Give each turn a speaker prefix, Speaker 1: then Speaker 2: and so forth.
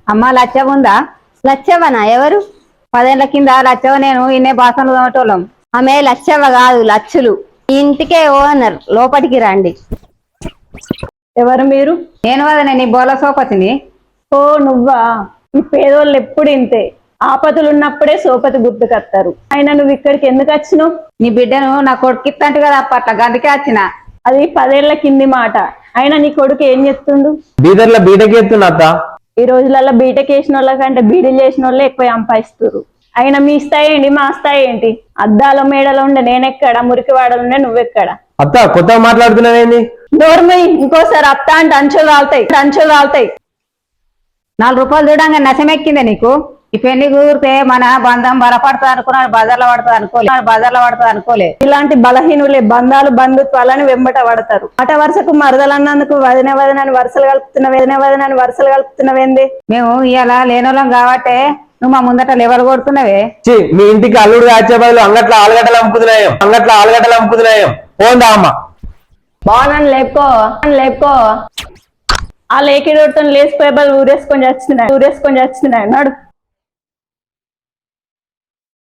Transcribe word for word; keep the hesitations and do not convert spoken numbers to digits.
Speaker 1: అమ్మ లచ్చవ ఉందా?
Speaker 2: లచ్చవ్వనా? ఎవరు?
Speaker 1: పదేళ్ల కింద లచ్చవ నేను ఇన్నే బాసనలు తోమటోళ్ళం.
Speaker 2: ఆమె లచ్చవ్వ కాదు, లచ్చులు. ఈ ఇంటికే ఓనర్, లోపలికి రండి.
Speaker 3: ఎవరు మీరు?
Speaker 1: నేను వదనే నీ బోల సోపతిని.
Speaker 3: ఓ నువ్వా? ఈ పేదోళ్ళు ఎప్పుడు ఇంతే, ఆపదలు ఉన్నప్పుడే సోపతి గుర్తుకొస్తారు. అయినా నువ్వు ఇక్కడికి ఎందుకు వచ్చినావు?
Speaker 1: నీ బిడ్డను నా కొడుకిత్తంటు కదా అప్పట్ల గందుకే వచ్చిన.
Speaker 3: అది పదేళ్ల కింది మాట. అయినా నీ కొడుకు ఏం చెప్తుండు?
Speaker 4: బీదర్ల బీటెక్ ఎత్తున్నా అత్త.
Speaker 3: ఈ రోజులలో బీటెక్ వేసిన వాళ్ళ కంటే బీడీలు చేసిన వాళ్ళే ఎక్కువ సంపాదిస్తారు. అయినా మీ స్థాయి ఏంటి, మా స్థాయి ఏంటి? అద్దాల మేడలో ఉండే నేనెక్కడ, మురికి వాడలు ఉండే నువ్వెక్కడ?
Speaker 4: అత్త కొత్తగా మాట్లాడుతున్నావేంది?
Speaker 3: నోర్మై, ఇంకోసారి అత్త అంటే అంచులు రాలుతాయి, అంచులు రాలుతాయి.
Speaker 1: నాలుగు రూపాయలు చూడంగా నశమెక్కిందే నీకు? ఈ పెళ్లి కుదిరితే మన బంధం బలపడుతుంది అనుకున్నాడు, బజార్లో పడుతుంది అనుకోలే బజార్లో పడుతుంది అనుకోలే.
Speaker 3: ఇలాంటి బలహీనులే బంధాలు బంధుత్వాలని వెంబట పడతారు. ఆట వరుసకు మరదలన్నందుకు వదిన వదనని వరుసలు కలుపుతున్న వదిన వదనని వరుసలు కలుపుతున్నవేంది?
Speaker 1: మేము ఇవాళ లేనోళ్ళం కాబట్టే నువ్వు మా ముందట లెవెల్ కొడుతున్నావే.
Speaker 4: చి మీ ఇంటికి అల్లుడు కాచే బదులు అంగట్లో ఆలుగడ్డలు అమ్ముకుతున్నాయం అంగట్లో ఆలుగడ్డలు అమ్ముకుతున్నాయం పోందా అమ్మ.
Speaker 3: బాగున్నాను లేపుకో లేపుకో. ఆ లేకిడోతో లేచిపోయే బదులు ఊరేసుకొని చచ్చినాయి ఊరేసుకొని చచ్చినాయి నడు.